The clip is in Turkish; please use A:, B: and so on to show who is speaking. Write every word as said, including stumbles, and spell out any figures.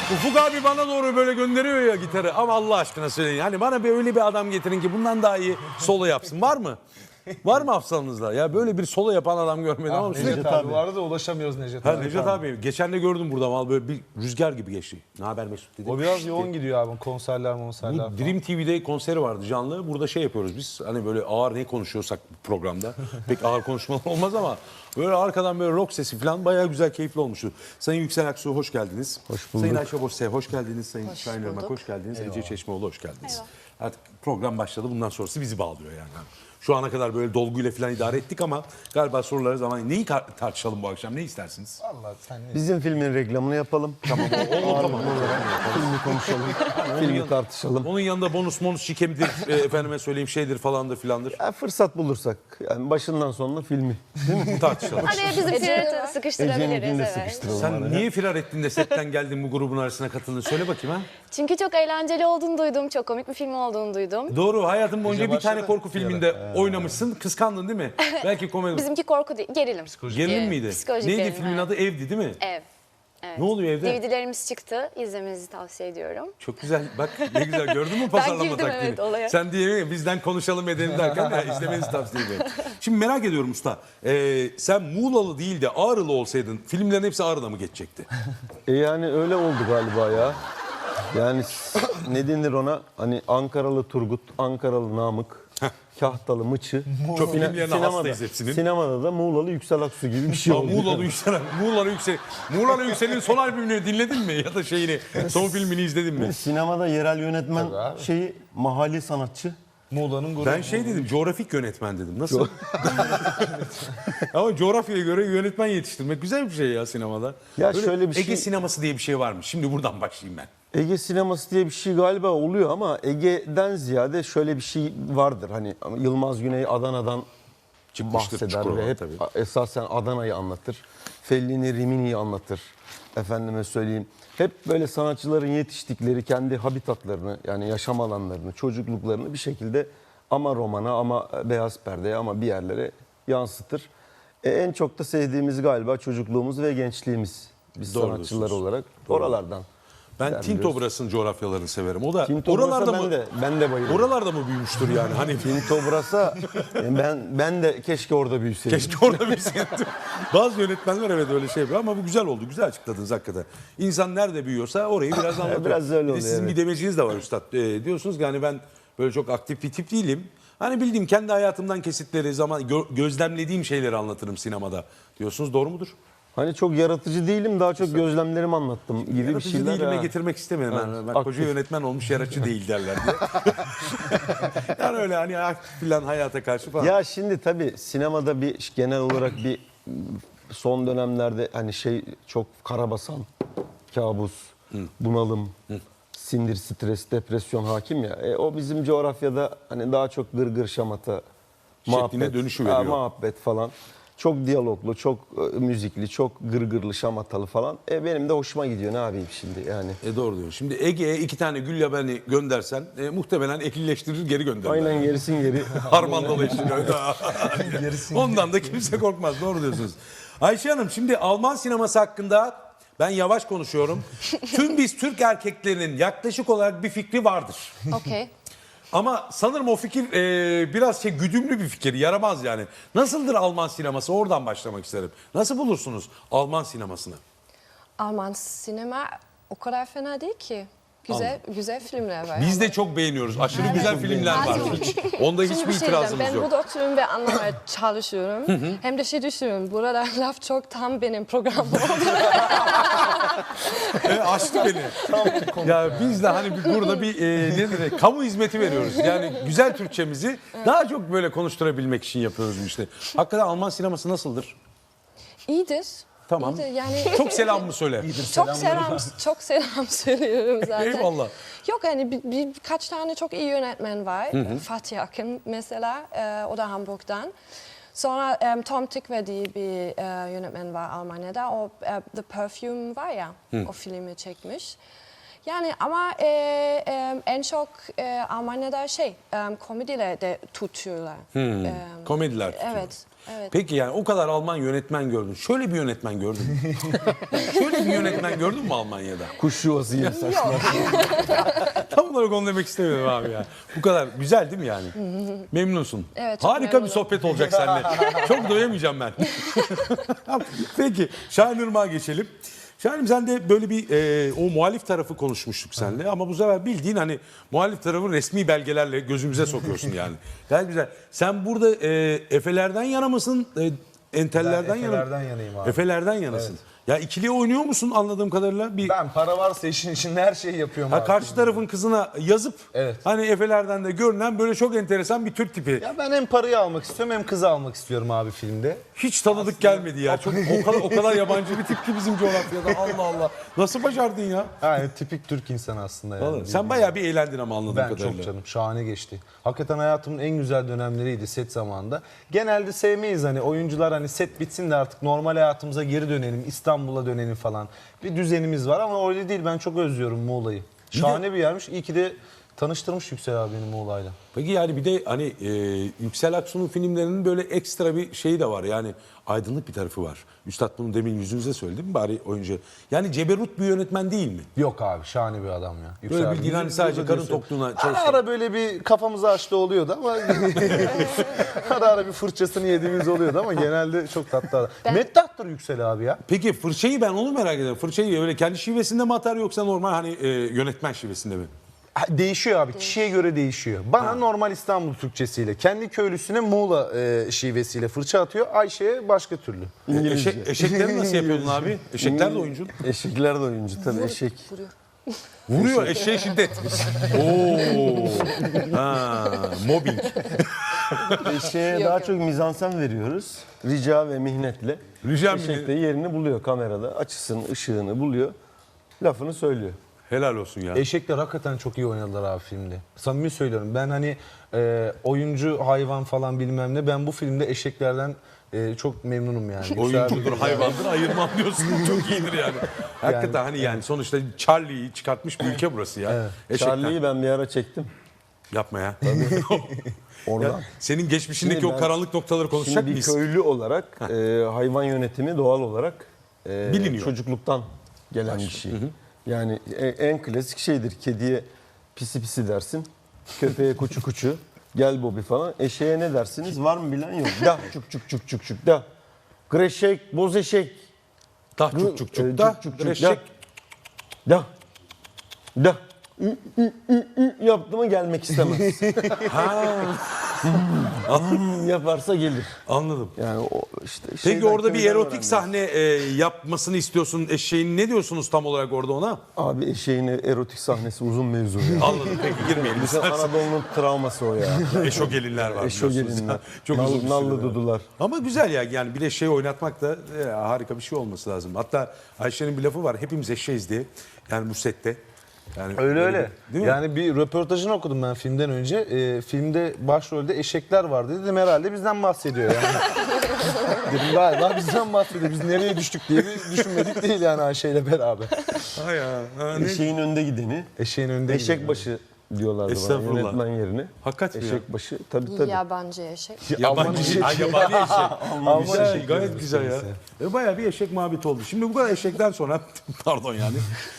A: Ufuk abi bana doğru böyle gönderiyor ya gitarı. Ama Allah aşkına söyleyin. Hani bana bir öyle bir adam getirin ki bundan daha iyi solo yapsın. Var mı? Var mı hafızanızda? Ya böyle bir solo yapan adam görmedim ama sürekli...
B: Necdet abi vardı da ulaşamıyoruz Necdet
A: Ha,
B: abi.
A: Necdet abi geçen de gördüm burada mal böyle bir rüzgar gibi geçti. Ne haber Mesut dedi.
B: O biraz
A: İşte,
B: yoğun gidiyor abi konserler konserler
A: bu
B: falan.
A: Dream T V'de konseri vardı canlı. Burada şey yapıyoruz biz. Hani böyle ağır ne konuşuyorsak programda. Pek ağır konuşmalar olmaz ama böyle arkadan böyle rock sesi falan bayağı güzel keyifli olmuştu. Sayın Yüksel Aksu hoş geldiniz.
C: Hoş bulduk.
A: Sayın Ayşe Boşse hoş geldiniz. Sayın
D: Hoş
A: Şahin Irmak
D: bulduk.
A: hoş geldiniz. Ece Çeşmeoğlu hoş geldiniz.
D: Eyvallah.
A: Artık program başladı. Bundan sonrası bizi bağlıyor yani. Şu ana kadar böyle dolguyla falan idare ettik ama galiba soruları zaman neyi kar- tartışalım bu akşam? Ne istersiniz?
B: Vallahi sen ne?
C: Bizim filmin reklamını yapalım.
A: Tamam o, o tamam.
C: Filmi konuşalım. Filmi tartışalım.
A: Onun yanında bonus bonus şikemidir, e, efendime söyleyeyim şeydir falandır filandır.
C: Ya fırsat bulursak. Yani başından sonuna filmi.
A: Tartışalım.
D: Hani bizim
E: Ece'yi
D: filmi
E: de
D: sıkıştırabiliriz.
C: Ece'ninkini de
D: Evet.
C: sıkıştıralım.
A: Sen
C: araya.
A: niye firar ettin de setten geldin bu grubun arasına katıldın? Söyle bakayım ha.
D: Çünkü çok eğlenceli olduğunu duydum. Çok komik bir film olduğunu duydum.
A: Doğru hayatın boyunca
B: Ece
A: bir tane
B: başladı.
A: korku filminde oynamışsın. Kıskandın değil mi? Belki komedi.
D: Bizimki korku değil, gerilim.
A: Gerilim
D: Ee,
A: miydi?
D: psikolojik
A: Neydi
D: gerilim,
A: filmin
D: evet.
A: adı? Evdi değil mi?
D: Ev. Evet.
A: Ne oluyor evde?
D: D V D'lerimiz çıktı. İzlemenizi tavsiye ediyorum.
A: Çok güzel. Bak ne güzel gördün mü pazarlama
D: girdim,
A: taktiğini?
D: evet, olaya.
A: Sen diye bizden konuşalım edelim derken ya, izlemenizi tavsiye ediyorum. Şimdi merak ediyorum usta. Ee, sen Muğlalı değil de Ağrılı olsaydın filmlerin hepsi Ağrı'da mı geçecekti?
C: E yani öyle oldu galiba ya. Yani s- ne denir ona? Hani Ankaralı Turgut, Ankaralı Namık, Kahtalı Mıçı.
A: Çok
C: Sine-
A: filmlerine hastayız hepsinin.
C: Sinemada da Muğlalı Yüksel Aksu gibi bir şey
A: Aa,
C: oldu.
A: Muğlalı Yüksel, Muğlalı Yüksel, Muğlalı Yüksel'in son albümünü dinledin mi? Ya da şeyini, son filmini izledin mi?
C: Sinemada yerel yönetmen
B: Tabii abi.
C: şeyi mahalli sanatçı.
B: Muğla'nın gururu.
A: Ben şey dedim, coğrafik yönetmen dedim. Nasıl? Ama coğrafyaya göre yönetmen yetiştirmek güzel bir şey ya sinemada.
C: Ya
A: Böyle
C: şöyle bir
A: Ege
C: şey-
A: sineması diye bir şey varmış. Şimdi buradan başlayayım ben.
C: Ege sineması diye bir şey galiba oluyor ama Ege'den ziyade şöyle bir şey vardır. Hani Yılmaz Güney Adana'dan
A: Çıkmıştır
C: bahseder
A: Çukurova,
C: ve hep
A: tabii.
C: esasen Adana'yı anlatır. Fellini, Rimini'yi anlatır. Efendime söyleyeyim. Hep böyle sanatçıların yetiştikleri kendi habitatlarını yani yaşam alanlarını, çocukluklarını bir şekilde ama romana ama beyaz perdeye ama bir yerlere yansıtır. E, en çok da sevdiğimiz galiba çocukluğumuz ve gençliğimiz. Biz
A: Doğru
C: sanatçılar
A: diyorsunuz.
C: olarak
A: Doğru.
C: oralardan.
A: Ben
C: Gider
A: Tinto
C: biliyorsun.
A: Brass'ın coğrafyalarını severim. O da
C: Tinto
A: oralarda
C: Brass'a
A: mı?
C: ben de ben de bayılıyorum.
A: Oralarda mı büyümüştür yani? Hani
C: Tinto Brass'a e, ben ben de keşke orada büyüseydim.
A: keşke orada büyüseydim. Bazı yönetmenler evet öyle şey yapıyor ama bu güzel oldu. Güzel açıkladınız hakikaten. İnsan nerede büyüyorsa orayı biraz anlatıyor.
C: Biraz öyle
A: Bir de
C: oluyor,
A: sizin
C: evet.
A: bir demeciniz de var üstad. Ee, diyorsunuz ki hani ben böyle çok aktif bir tip değilim. Hani bildiğim kendi hayatımdan kesitleri, zaman gö- gözlemlediğim şeyleri anlatırım sinemada diyorsunuz. Doğru mudur?
C: Hani çok yaratıcı değilim, daha çok gözlemlerimi anlattım gibi bir
A: Yaratıcı
C: şeyler.
A: değilime
C: ha.
A: getirmek istemedim.
C: Evet,
A: Yani. Bak
C: aktif.
A: koca yönetmen olmuş yaratıcı değil derler diye. Yani öyle hani aktif falan hayata karşı falan.
C: Ya şimdi tabii sinemada bir genel olarak bir son dönemlerde hani şey çok karabasan, kabus, bunalım, sindir, stres, depresyon hakim ya. E, o bizim coğrafyada hani daha çok gırgır şamata,
A: Şekline dönüşü veriyor.
C: muhabbet falan. Çok diyaloglu, çok e, müzikli, çok gırgırlı, şamatalı falan. E, benim de hoşuma gidiyor ne yapayım şimdi yani.
A: E doğru diyor. Şimdi Ege'ye iki tane gül yabani göndersen e, muhtemelen ekilleştirir geri gönderirler.
C: Aynen gerisin geri.
A: Harmandalı işte öyle. Ondan da kimse korkmaz. Doğru diyorsunuz. Ayşe Hanım şimdi Alman sineması hakkında ben yavaş konuşuyorum. Tüm biz Türk erkeklerinin yaklaşık olarak bir fikri vardır.
D: Okey.
A: Ama sanırım o fikir e, biraz şey güdümlü bir fikir. Yaramaz yani. Nasıldır Alman sineması? Oradan başlamak isterim. Nasıl bulursunuz Alman sinemasını?
E: Alman sinema o kadar fena değil ki. Güzel güzel filmler var.
A: Biz de çok beğeniyoruz. Aşırı güzel filmler var.
E: Azim.
A: Hiç, onda
E: Şimdi
A: hiçbir
E: bir şey
A: itirazımız
E: diyeceğim. Ben
A: yok.
E: burada oturuyorum ve anlamaya çalışıyorum. Hem de şey düşünüyorum. Burada laf çok tam benim programım oldu.
A: E, açtı beni. Ya biz de hani bir, burada bir e, ne denir, kamu hizmeti veriyoruz. Yani güzel Türkçemizi daha çok böyle konuşturabilmek için yapıyoruz bu işte. Hakikaten Alman sineması nasıldır?
E: İyidir.
A: Tamam.
E: İyidir. Yani
A: Çok selam mı söyle?
E: çok selam çok selam söylüyorum zaten.
A: Eyvallah.
E: Yok yani bir, bir, birkaç tane çok iyi yönetmen var. Fatih Akın mesela, e, o da Hamburg'dan. Sonra e, Tom Tykwer diye bir e, yönetmen var Almanya'da. O e, The Perfume var ya, o filmi çekmiş. Yani ama e, e, en çok e, Almanya'da şey, e, komediler de tutuyorlar. E,
A: Komediler.
E: Evet. Evet.
A: Peki yani o kadar Alman yönetmen gördün. Şöyle bir yönetmen gördün mü? Şöyle bir yönetmen gördün mü Almanya'da?
C: Kuş yuvası yiyen saçlar.
A: Tam olarak onu demek istemiyorum abi ya. Bu kadar güzel değil mi yani? Memnunsun.
E: Evet, çok
A: Harika bir
E: memnunum.
A: sohbet olacak seninle. Çok doyamayacağım ben. Peki Şahin Irmak'a geçelim. Şahin'im sen de böyle bir e, o muhalif tarafı konuşmuştuk seninle ama bu sefer bildiğin hani muhalif tarafı resmi belgelerle gözümüze sokuyorsun yani. Gayet güzel. Sen burada e, Efelerden yana mısın? E, entellerden
B: Ben
A: yana mı?
B: Efelerden yanayım abi.
A: Efelerden yanasın. Ya ikiliye oynuyor musun anladığım kadarıyla? Bir
B: Ben para varsa işin içinde her şeyi yapıyorum
A: Ha,
B: abi.
A: karşı tarafın kızına yazıp
B: Evet.
A: hani Efelerden de görünen böyle çok enteresan bir Türk tipi.
B: Ya ben hem parayı almak istiyorum hem kızı almak istiyorum abi filmde.
A: Hiç tanıdık gelmedi ya. Çok o kadar o kadar yabancı bir tip ki bizim coğrafyada. Allah Allah. Nasıl başardın ya?
B: Yani tipik Türk insanı aslında yani.
A: Vallahi sen bayağı bir eğlendin ama anladığım
B: Ben
A: kadarıyla.
B: çok canım şahane geçti. Hakikaten hayatımın en güzel dönemleriydi set zamanında. Genelde sevmeyiz hani oyuncular hani set bitsin de artık normal hayatımıza geri dönelim, İstanbul'a dönelim falan. Bir düzenimiz var ama öyle değil. Ben çok özlüyorum Muğla'yı. Şahane bir yermiş. İyi ki de tanıştırmış Yüksel abi beni Muğla'yla.
A: Peki yani bir de hani e, Yüksel Aksu'nun filmlerinin böyle ekstra bir şeyi de var. Yani aydınlık bir tarafı var. Üstad bunu demin yüzünüze söyledi değil mi bari oyuncu? Yani ceberut bir yönetmen değil mi?
B: Yok abi şahane bir adam ya. Yüksel
A: Böyle
B: abi,
A: bildiğin hani
B: yüzü-
A: sadece
B: yüzü
A: karın
B: diyorsun.
A: tokluğuna
B: Ara
A: çalışan.
B: ara böyle bir kafamızı açtı oluyordu ama ara ara bir fırçasını yediğimiz oluyordu ama genelde çok tatlı adam. Meddahtır Yüksel abi ya.
A: Peki fırçayı ben onu merak ediyorum. Fırçayı öyle kendi şivesinde mi atar yoksa normal hani e, yönetmen şivesinde mi?
B: Ha, Değişiyor abi. Kişiye göre değişiyor. Bana normal İstanbul Türkçesiyle, kendi köylüsüne Muğla e, şivesiyle fırça atıyor. Ayşe'ye başka türlü.
A: E, eşek, eşekleri nasıl yapıyordun abi? Eşekler de oyuncu.
C: Eşekler de oyuncu tabii eşek.
A: Vuruyor eşeğe şiddet. Oo. Ha, mobbing.
C: Eşeğe daha çok mizansen veriyoruz. Rica ve mihnetle.
A: Rica
C: Eşek
A: minnet.
C: de yerini buluyor kamerada. Açısını, ışığını buluyor. Lafını söylüyor.
A: Helal olsun ya.
B: Eşekler hakikaten çok iyi oynadılar abi filmde. Samimi söylüyorum. Ben hani e, oyuncu, hayvan falan bilmem ne. Ben bu filmde eşeklerden e, çok memnunum yani.
A: Oyuncudur, hayvandır, ayırmam diyorsun. Çok iyidir yani. Hakikaten hani yani sonuçta Charlie'yi çıkartmış bir ülke burası ya. Eşekten.
C: Charlie'yi ben bir ara çektim.
A: Yapma ya.
C: Oradan.
A: Ya senin geçmişindeki
C: Şimdi
A: o
C: ben-
A: karanlık noktaları konuşacak
C: Şimdi bir
A: mıyız?
C: köylü olarak e, hayvan yönetimi doğal olarak e,
A: Biliniyor.
C: çocukluktan gelen bir şey. Yani e- en klasik şeydir. Kediye pisi pisi dersin. Köpeğe kuçu kuçu. Gel Bobby falan. Eşeğe ne dersiniz? Var mı bilen yok. Da çuk çuk çuk çuk çuk da. Greşek, boz eşek.
A: Tah çuk çuk
C: E,
A: çuk da.
C: çuk çuk çuk
A: Eşek.
C: Da. Da. Da. Ü, ü, ü, ü yaptı mı gelmek istemez. Hmm, yaparsa gelir.
A: Anladım.
C: Yani o işte
A: Peki
C: şeyden,
A: orada bir
C: köyden
A: erotik
C: öğrendim.
A: sahne e, yapmasını istiyorsun eşeğin. Ne diyorsunuz tam olarak orada ona?
C: Abi eşeğin erotik sahnesi uzun mevzu ya.
A: Anladım. Peki girmeyelim.
C: Bizim Anadolu'nun travması o ya.
A: Eşo gelinler var.
C: Eşo
A: biliyorsunuz.
C: gelinler.
A: Çok
C: Nal-
A: uzun bir
C: nallı
A: süre.
C: dudular.
A: Ama güzel ya yani bir de şey oynatmak da e, harika bir şey olması lazım. Hatta Ayşe'nin bir lafı var. Hepimiz eşeğiz diye. Yani bu sette. Yani
B: Öyle öyle.
A: Değil mi?
B: Yani bir röportajını okudum ben filmden önce. E, filmde başrolde eşekler vardı. Dedim herhalde bizden bahsediyor yani. Dedim galiba bizden bahsediyor. Biz nereye düştük diye bir düşünmedik değil yani Ayşe ile beraber.
A: Ha ya. Ha, ne?
C: Eşeğin önde gideni.
B: Eşeğin önünde
C: Eşek
B: gidiyor.
C: başı diyorlardı bana
A: Estağfurullah.
C: yönetmen yerine.
A: Hakikaten ya.
C: Eşek başı tabii tabii.
D: Yabancı eşek.
A: Yabancı
B: eşeği.
A: Ay, yabani eşek.
B: Alman
A: güzel,
B: eşek
A: gayet
B: diyoruz
A: güzel ya.
B: neyse.
A: E, bayağı bir eşek muhabbeti oldu. Şimdi bu kadar eşekten sonra pardon yani.